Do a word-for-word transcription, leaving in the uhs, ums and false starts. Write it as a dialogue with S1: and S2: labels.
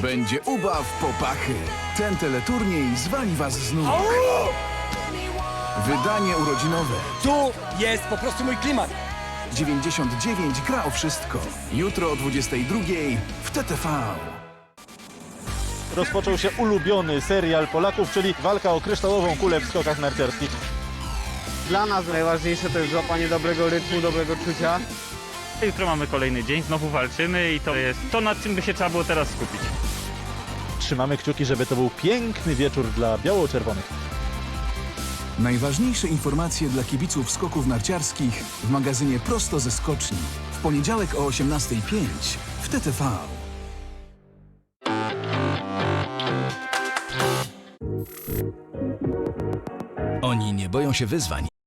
S1: Będzie ubaw popachy. Ten teleturniej zwali was z nóg. Wydanie urodzinowe.
S2: Tu jest po prostu mój klimat.
S1: dziewięćdziesiąt dziewięć gra o wszystko. Jutro o dwudziestej drugiej w T T V.
S3: Rozpoczął się ulubiony serial Polaków, czyli walka o kryształową kulę w skokach narciarskich.
S4: Dla nas najważniejsze to jest złapanie dobrego rytmu, dobrego czucia.
S5: Jutro mamy kolejny dzień, znowu walczymy i to jest to, nad czym by się trzeba było teraz skupić.
S3: Trzymamy kciuki, żeby to był piękny wieczór dla biało-czerwonych.
S1: Najważniejsze informacje dla kibiców skoków narciarskich w magazynie Prosto ze Skoczni. W poniedziałek o osiemnastej zero pięć w T T V.
S6: Oni nie boją się wyzwań.